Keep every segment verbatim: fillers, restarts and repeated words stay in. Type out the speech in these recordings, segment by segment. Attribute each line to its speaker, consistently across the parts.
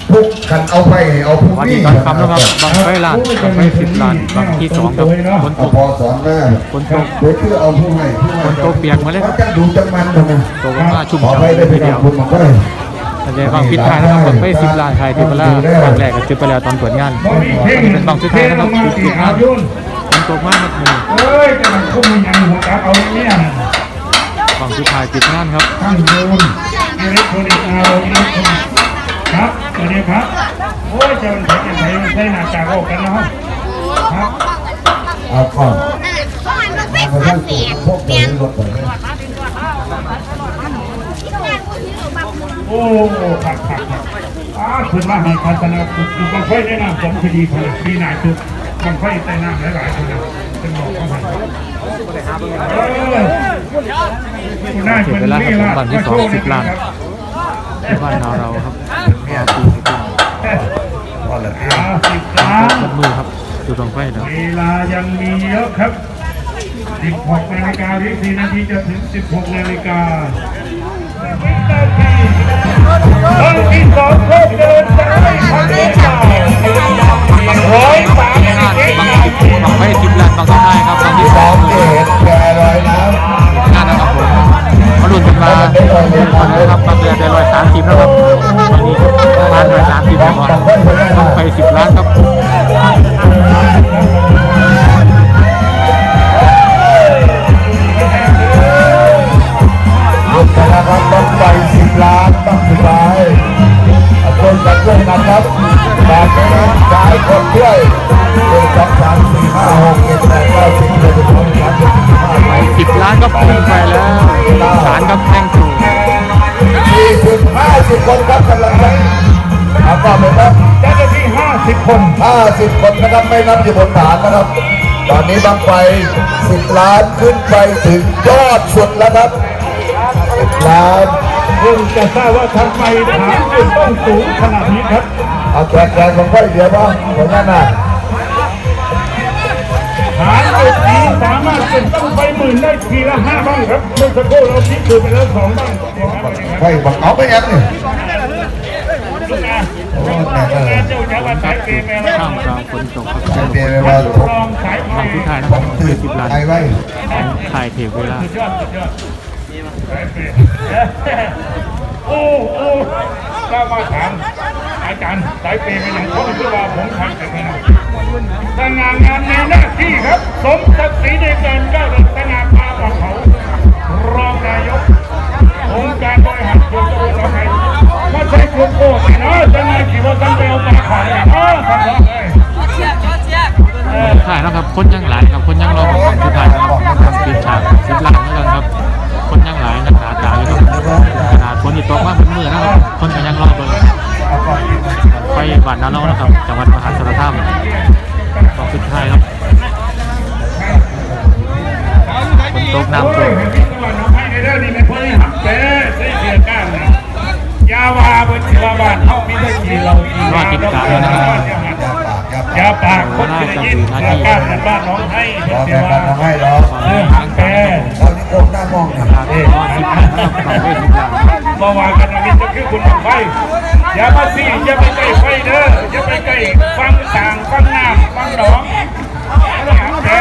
Speaker 1: พุกกันเอาไปเอาพุก
Speaker 2: วัน
Speaker 1: นี่
Speaker 2: นี้ตอนคำแล้วครับบางไฟล้านบางไฟสิบล้านบางที่สองครับฝนตก
Speaker 1: พอสอนหน้า
Speaker 2: ฝนตก
Speaker 1: โดยเพื่อเอาผู้ให้ผู้ให้
Speaker 2: ฝนตกเปียกมาเลยครับ
Speaker 1: จะดูจังมันนะ
Speaker 2: ตกมาชุ่ม
Speaker 1: ขอ
Speaker 2: ฉ่ำ
Speaker 1: ไปได้
Speaker 2: เลย
Speaker 1: ไป
Speaker 2: ทีเดี
Speaker 1: กั
Speaker 2: ยว
Speaker 1: บคุณมันก็ได้
Speaker 2: แต่ในบางพิษท้ายนะครับบางไฟสิบล้านไทยที่เวลาบางแรกก็จุดไปแล้วตอนเปิดงานวันนี้เป็นบางสุดท้ายนะครับจุดจุดงานฝนตกมากครับนี่
Speaker 3: เอ้ยจะมันคุ้มยังหัวกาเอาเนี่ย
Speaker 2: บางสุดท้ายจุดงานครับ
Speaker 3: ตั้งโยนอิเล็กทรอนิกส์เอาอิเล็กทรอนิกส์ครับสวัสดีครับโอ้ยจะมันใช้จะใช้ใช้หน้ากากออกกันนะครับครับ
Speaker 1: เอาก่อน
Speaker 4: มาไปทั้งเสียง
Speaker 1: พวกเปลี่ยนรถไป
Speaker 3: โอ้ผักผักผักอ้าคุณมาให้พัฒนาคุณบางไฟได้นำสมคดีผลิตดีหนาจุดบางไฟใต้น้ำหลายๆคนเป็นบอกเขาให้เออคุณนายคนนี้ล่ะมาโชว์นี่ครับ
Speaker 2: ที่บ้านเราเราครับมาปีสิบล้าน
Speaker 1: พอแล้ว
Speaker 3: ห้าสิบล้าน
Speaker 2: มัดมือครับจุดบางไฟเนาะ
Speaker 3: เวลายังมีเยอะครับสิบหกนาฬิกาอีกสี่นาทีจะถึงสิบหกนาฬิกาวินาทีคนที่สองก็เดินได้ทันทีร้อยสามสิบเอ็ด
Speaker 2: บางสิบบางไฟสิบล้านบางสุดท้ายครับบางที่สอง
Speaker 1: เห็นแกลอยน้ำ
Speaker 2: งานนะครับผมมาลุ้นกันมาวันนี้ครับบางเดือนได้ร้อยสามสิบแล้วครับวันนี้ล้านร้อยสามสิบแล้วครับบางไฟสิบล้านครับ
Speaker 1: ลุกนะครับต้องไปสิบล้านต้องสุดท้ายคนกันด้วยกันครับแบบนี้สายคนด้วยหนึ่งสองสามสี่ห้าหกเจ็ดแปดเก้าสิบเอ็ดสิบสองสิบสามสิบสี่สิบห้า
Speaker 2: ไปสิบล้านก็พุ่งไปแล้วสารครับแท่งสูง
Speaker 1: สี่สิบห้าสิบคนครับกำลังใจเอาต่อไปครับ
Speaker 3: เจ้าหน้าที่ห้าสิบคน
Speaker 1: ห้าสิบคนนะครับไม่นับอยู่บนฐานนะครับ ตอนนี้บังไฟสิบล้านขึ้นไปถึงยอดสุดแล้วครับสิบล้าน
Speaker 3: เพิ่งจะทราบว่าทำไมฐานจุดต้องสูงขนาดนี้ครับ
Speaker 1: เอาแขกแขกของไฟเดียวบ้างคนนั้นน่ะ
Speaker 3: ฐานจุดนี้สามารถจุดต้องไปหมื่นได้ทีละห้าบ้างครับเมื่อสักครู่เราพิสูจน์ไปแล้วสองบ้าง
Speaker 1: ไฟบังเอาไปยังนี่
Speaker 3: ลูกนะ
Speaker 1: โอ้แน่เลย
Speaker 3: เจ้าจะว่าสายเกมอะไร
Speaker 2: ข้ามกลางฝนตกครับ
Speaker 1: จะเปลี่ยนไปว่าทุก
Speaker 3: ลองสายไฟ
Speaker 2: บางสุดท้ายนะครับคือสิบล้าน
Speaker 1: ไอ้ไว้
Speaker 2: ถ่ายเทเวลา
Speaker 3: สุดยอดสุดยอดสายเปย์โอ้โอ้ก็มาถามอาจารย์สายเปย์เป็นอย่างเขาคือว่าผมทำแต่ไม่ได้สง่างามในหน้าที่ครับสมศักดิ์ศรีในการก้าวเดินสง่าพาของเขารองนายกองค์การบริหารส่วนตำบลหนองไผ่มาใช้กลุ่มโอ้ยเนาะจะนายขี่ว่าตั้งไปเอาปลาขายเนาะทำเลย
Speaker 2: ถ่ายนะครับคนยังหลายครับคนยังรอของสุดท้ายนะครับทำปิดฉากสิบล้านเหมือนกันครับคนยังหลายนักหนาตาอยู่ครับขนาดฝนอีกตกมากเป็นมือนะครับคนก็ยังรอเบอร์ไฟบาดน้ำร้อนนะครับจังหวัดมหาสารคามของสุดท้ายครับฝนตกน้ำท่วม
Speaker 3: ยาวาบนชาวบ้านเขามีได้กี่เรากี่
Speaker 2: รอดจิตกาแล้วนะครับ
Speaker 3: ยาปากคนจะยินยาการกันบ้านน้องให้
Speaker 1: รอ
Speaker 3: เสี
Speaker 1: แก
Speaker 3: ย
Speaker 1: กั
Speaker 3: ว่าน
Speaker 1: ทำให้รอ
Speaker 3: เออหางแก
Speaker 1: ตอนนี้โกงหน้ามองเนี่ย
Speaker 2: ราคารอดสิบล้านนะครับของไฟสิบล้าน
Speaker 3: เมื่อวานกันนี้จะคือคุณไฟอย่ามาซี่อย่าไปใกล้ไฟเด้ออย่าไปใกล้ฟังต่างฟังน้ำฟังหนองหางแก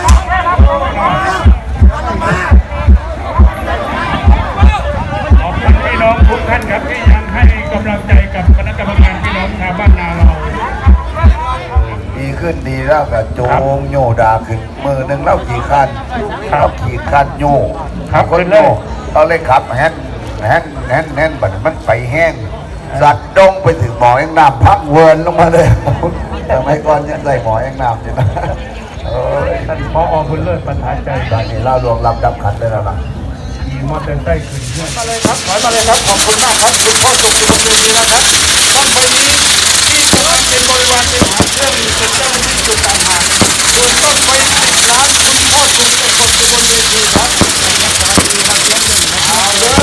Speaker 3: ขอบคุณพี่น้องทุกท่านครับที่ยังให้กำลังใจกับคณะกรรมการพี่น้องชาวบ้านนาเรา
Speaker 1: ดีขึ้นดีแล้วกับโจงโยดาขึ้นมือหนึ่งเล่าขี่คันเล่าขี่คันโยคนโยเราเลยขับแฮนแฮนแฮนแฮนบัดมันไปแห้งสัตว์ดงไปถึงหมอยังน้ำพักเวิร์นลงมาเลยแต่ไม่ก่อนยังใส่หมอยังน้ำอยู่นะเออ
Speaker 3: ท่านพอคุณเลิศประธานใจ
Speaker 1: ตอนนี้เรารวมรับดับขันได้แล้วนะ
Speaker 3: ขี่มอเตอร์ไซค์ขึ้นมาเลยครับถอยมาเลยครับขอบคุณมากครับคุณพ่อสุขอยู่บนเวทีแล้วครับต้องไปนี้ที่ทุกท่านเป็นบริวารเป็นหางเครื่องเป็นเจ้าหน้าที่จุดต่างหากส่วนต้องไปร้านคุณพ่อสุขเป็นคนอยู่บนเวทีครับเอาเด้อ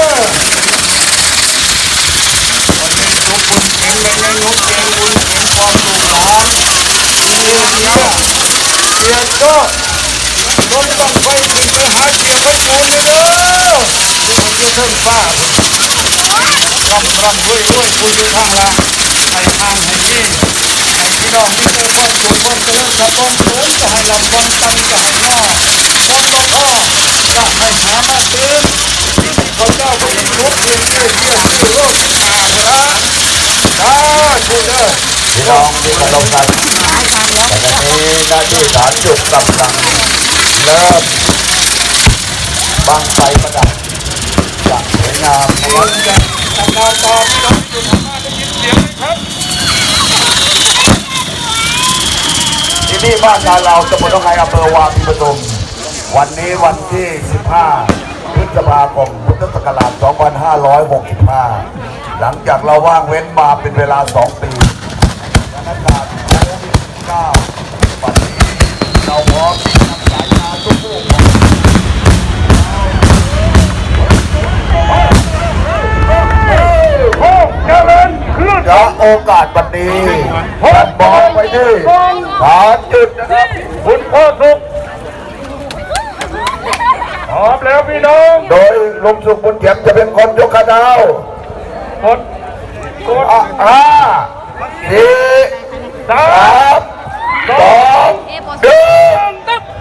Speaker 3: วันนี้ทุกคนแข็งแรงและงดงามบุญเห็นความสุขหลานเรียนเยอะเรียนก็รถต้องไปถึงไปหาเกี่ยวกับปูนกันเด้อที่ผมจะเพิ่มฟ้าผมร่ำร่ำรวยรวยคุณอยู่ข้างล่างให้ทางให้ที่ให้พี่น้องที่เจอความสุขความเจริญกับความสูงจะให้ลำความตั้งจะให้หน้าความบ่พ่อจะให้หามาเตือนที่เขาเจ้าก็ยังลุกยืนยืนยืนยืนโลกอาละถ้าคุณเด้อ
Speaker 1: พี่น้องที่เคารพครับแต่ตอนนี้หน้าที่ฐานจุดกำลังเริ่มบังไฟประดับอย่างสวยงาม
Speaker 3: คนจะทำงานต่อพี่น้องอยู่ทางหน้าได้ยินเสียงไหมครับ
Speaker 1: ที่นี่บ้านงานเราตำบลหนองไฮอำเภอวาปีปทุมวันนี้วันที่ สิบห้า พฤษภาคม พุทธศักราช สองพันห้าร้อยหกสิบห้า หลังจากเราว่างเว้นมาเป็นเวลา สอง ปีสถานการณ์โควิด สิบเก้า วันนี้เราพร้อมที่จะสายงานทุกผู้ของ
Speaker 3: โอ้เจริญคลื่น
Speaker 1: ณโอกาสวันนี้ผมบอกไว้ที่ฐานจุดนะครับ
Speaker 3: คุณพ่อสุขพร้อมแล้วพี่น้อง
Speaker 1: โดยลุงสุขบุญเขียมจะเป็นคนยกขาดาว
Speaker 3: กดกด
Speaker 1: อ่ะห้าสี่
Speaker 3: สา
Speaker 1: สาม มสองหนึ่ง
Speaker 3: ตึ๊บ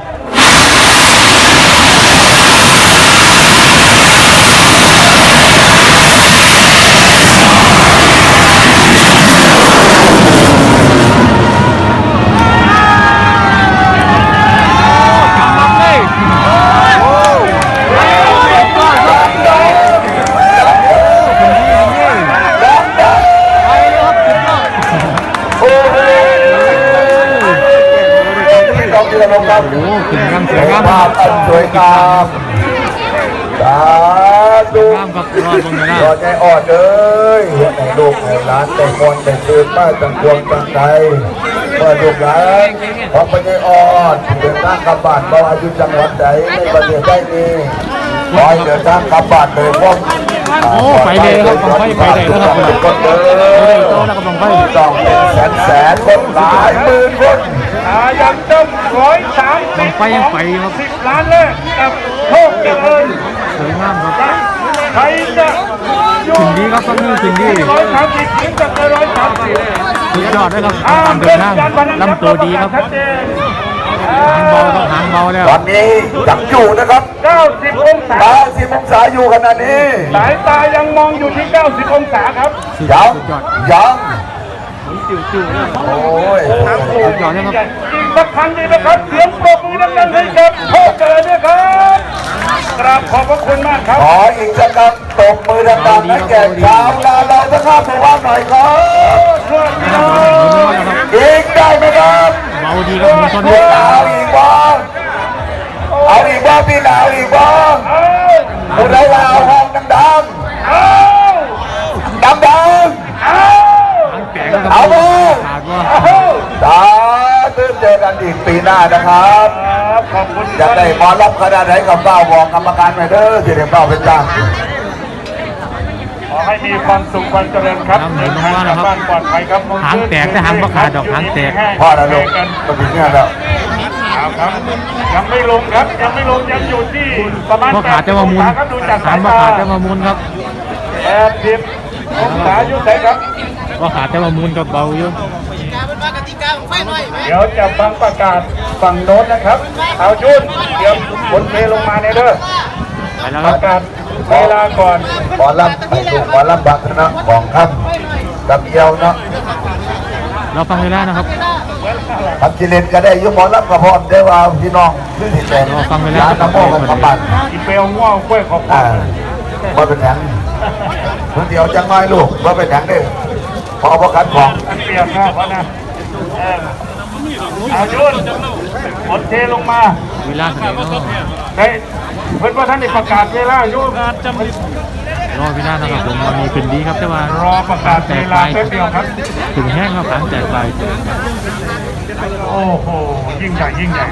Speaker 1: โอ้โหพี่น้องที่เราครับ
Speaker 2: โอ้ขึ้นงามสวยงาม
Speaker 1: ภาพอันสวยงามสาธุ
Speaker 2: งามครับรอดบนเลยนะ
Speaker 1: รอใจอ่อนเลยในลูกในร้านแต่คนแต่ตื่นมาตั้งดวงตั้งใจเมื่อลูกหลานของพระเจ้าอ่อนเดินทางกลับบ้านเราอายุจังหวัดใดในประเทศได้นี้ขอให้เดินทางกลับบ้านโดยพร้อม
Speaker 2: โอ้ไปเลยครับบังไฟไปเลยนะครับ
Speaker 1: ทุกคนเล
Speaker 2: โอ้
Speaker 1: ย
Speaker 2: ยโตแล้วก็บังไฟ
Speaker 1: ต้องเป็นแสนแสนคนหลายหมื่นคน
Speaker 3: อายังเติมร้อยสามสิ
Speaker 2: บั
Speaker 3: บ
Speaker 2: งไฟยังไปครับ
Speaker 3: สิบล้านแรกกับโชคเจริญ
Speaker 2: สวยงามครับ
Speaker 3: ใครจะอยู่
Speaker 2: ขึ้นดีครับตอนนี้ขึ้นดี
Speaker 3: ร้อยสามสิบถึงจะร้อยสามสิบ
Speaker 2: สุดยอดเลยครับการเดินทางลำตัวดีครับหางเบาต้องหางเบาแล้ว
Speaker 1: ตอนนี้ยังอยู่นะครับ
Speaker 3: เก้าสิบองศา
Speaker 1: ตาสิบองศาอยู่ขนาดนี้
Speaker 3: สายตายังมองอยู่ที่เก้าสิบองศาครับ
Speaker 2: สุด
Speaker 1: ยัง
Speaker 2: สุดยอด
Speaker 1: ยัง
Speaker 2: จิ๋วจิ๋วเลย
Speaker 1: โอ้ย
Speaker 2: สุดยอดเลยครับ
Speaker 3: อีกสักครั้งดีนะครับเสียงปรบมือดังๆให้กับโชคเจริญด้วยครับกราบขอบพระคุณมากครับ
Speaker 1: ขออีกสักครั้งตบมือดังๆให้แก่ชาวนาเราสักข้าผู้ว่าหน่อยครับ
Speaker 3: เพื่อนพี่น้อง
Speaker 1: อีกได้ไหมครับ
Speaker 2: เบาดีครับมีต้น
Speaker 1: พี่
Speaker 2: นี้
Speaker 1: หนาวอีกบ้างเอาอีกบ้างพี่หนาวอีกบ้าง
Speaker 3: เอา
Speaker 1: ผู้ใดลาวห้องดัง
Speaker 3: เอา
Speaker 1: ๆดัง
Speaker 3: เอา
Speaker 2: หางแตกแล้วค
Speaker 1: เอา
Speaker 2: รับ
Speaker 1: บ่
Speaker 2: ขาดว่า
Speaker 3: เอา
Speaker 1: ๆสาธุเจอกันอีกปีหน้านะครับ
Speaker 3: ครับขอบคุณ
Speaker 1: จะได้หมอรับขนาดไหนกับเป้าบอกกรรมการไปเด้อที่ได้เป้าเป็นจ้าง
Speaker 3: ขอให้มีความสุขความเจริญครับเดินทางกลับบ้านปลอดภัยครับ
Speaker 2: หางแตกแต่หางบ่ขาดดอกหางแตก
Speaker 1: พ่อนะลูกมาถึงเนี่ยแล้ว
Speaker 3: เอาครับ ยังไม่ลงครับ ยังไม่ลงยังอยู่ที่ประมาณ
Speaker 2: พ่อขาดจะมามุน
Speaker 3: ครับดูจาก
Speaker 2: หา
Speaker 3: สาง ย
Speaker 2: พ่อ
Speaker 3: ตา
Speaker 2: ขาดจะมามุนครับ
Speaker 3: แปดสิบองศาอยู่ไหนครับ
Speaker 2: พ่อขาดจะมามุนกับเบาอยู่
Speaker 3: เดี๋ยวจะฟังประกาศฝั่งโน้นนะครับ เอาจุนเดี๋ยวบนเทลงมาในเด้อ
Speaker 2: ไปแล้ว
Speaker 3: ป
Speaker 2: ครับ
Speaker 3: ระกาศเวลาก่อน
Speaker 1: หมอรับไปดูหมอรับบัตรนะของครับกับเอียวเนาะ
Speaker 2: เราฟังเวลานะครับ
Speaker 1: ทำกิเลนก็ได้อยุหมอรับกระพร้อมได้ว่าพี่น้องคือที่แต่
Speaker 2: รอฟังเวลา
Speaker 1: ร้านน้ำโมกันกำบัน
Speaker 3: อีเปลง่วงกล้วยขอบ
Speaker 1: อ่าว่าเป็นแหงคนเดียวจังน้อยลูกว่าเป็นแหงเด้อพอพอกันของ
Speaker 3: มันเปียกนะเพราะนะเออเอาจุนบนเทลงมา
Speaker 2: เวลาเท่าไหร่เนาะ
Speaker 3: เฮ้ยเพื่อนว่าท่านได้ประกาศเวลาอยู่งานจำ
Speaker 2: รอเวลานะครับผมวันนี้ขึ้นดีครับแต่ว่าร
Speaker 3: อประกาศ
Speaker 2: แต
Speaker 3: เว
Speaker 2: ก
Speaker 3: ลา
Speaker 2: ไป
Speaker 3: แป๊บเดียวครับ
Speaker 2: ถึงแห้งครับหางแตกไป
Speaker 3: โอ้โห ยิ่งใหญ่ยิ่งใหญ่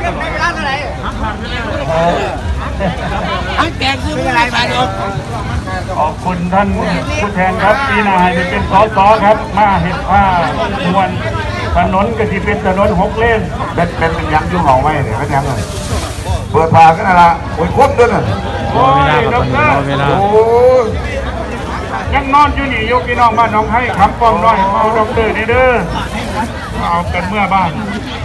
Speaker 3: ขอบคุณท่านผู้แทนครับปีหนาให้เป็นสสครับ มาเห็นผ้ามวลถนนก็ที่เป็นถนนหกเลน
Speaker 1: เป็นเป็นเป็นยังยุ่งเหงาไหมเนี่ยเป็นยังไงเปิดพากันนะละโอ้ยครบด้วยน่ะ
Speaker 2: รอเวลาครับตอนนี้รอเวลา
Speaker 1: โอ้ย
Speaker 3: ยังนอนอยู่นี่ยกพี่น้องบ้านน้องให้คำป้อมน้อยมาเอาดอกเตอร์นี่เด้อมาเอากันเมื่อบ้าน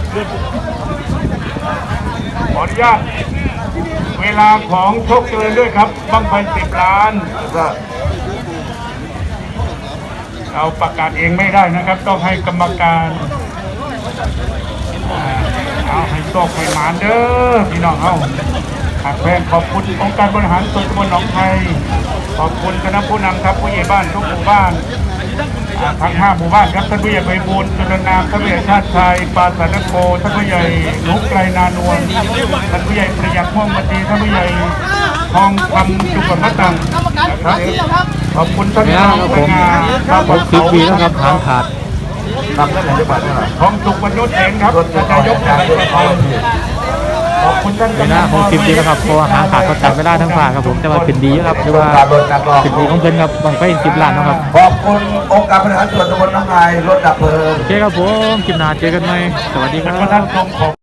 Speaker 3: ขออนุญาตเวลาของโชคเจริญด้วยครับบั้งไฟสิบล้านก็เราประกาศเองไม่ได้นะครับต้องให้กรรมการเอาให้โชคให้หมานเด้อพี่น้องเอาหากแฟนขอบคุณองค์การบริหารส่วนตำบลหนองไทยขอบคุณคณะผู้นำครับผู้ใหญ่บ้านทุกหมู่บ้านทั้งห้าหมู่บ้านครับท่านผู้ใหญ่ไพบูลย์จุลนามท่านผู้ใหญ่ชาติชัยปาสานโกท่านผู้ใหญ่นุกไกรนานวลท่านผู้ใหญ่ประหยัดม่วงมณีท่านผู้ใหญ่ทองคำจุกมะตังนะครับขอบคุณท่าน
Speaker 2: เนี่ย
Speaker 3: ผู้
Speaker 2: ครับ
Speaker 3: นำ
Speaker 2: ผม
Speaker 3: งานครับ
Speaker 2: หกสิบปีแล้วครับหางขาด
Speaker 1: ทำได้ไหนจะบัตรเท่าไหร่
Speaker 3: ทองสุกบรรยุทธ์เองครับนายกอะไรขอบคุณท่าน
Speaker 2: เวลาหกสิบปีแล้วครับเพราะว่าหางขาดเขาจับเวลาทั้งฝ่าครับผมแต่ว่าเป็นดีครับหรือว่าเป็นดีของเพิ่นครับบังไฟสิบล้านเนาะครับ
Speaker 1: ขอบคุณองค์การบริหารส่วนตำบลหนองไทยรถดับเพลิง
Speaker 2: โอเคครับผมคลิปหน้าเจอกันใหม่สวัสดีครั
Speaker 3: ท่าน
Speaker 2: บ
Speaker 3: ทรงของ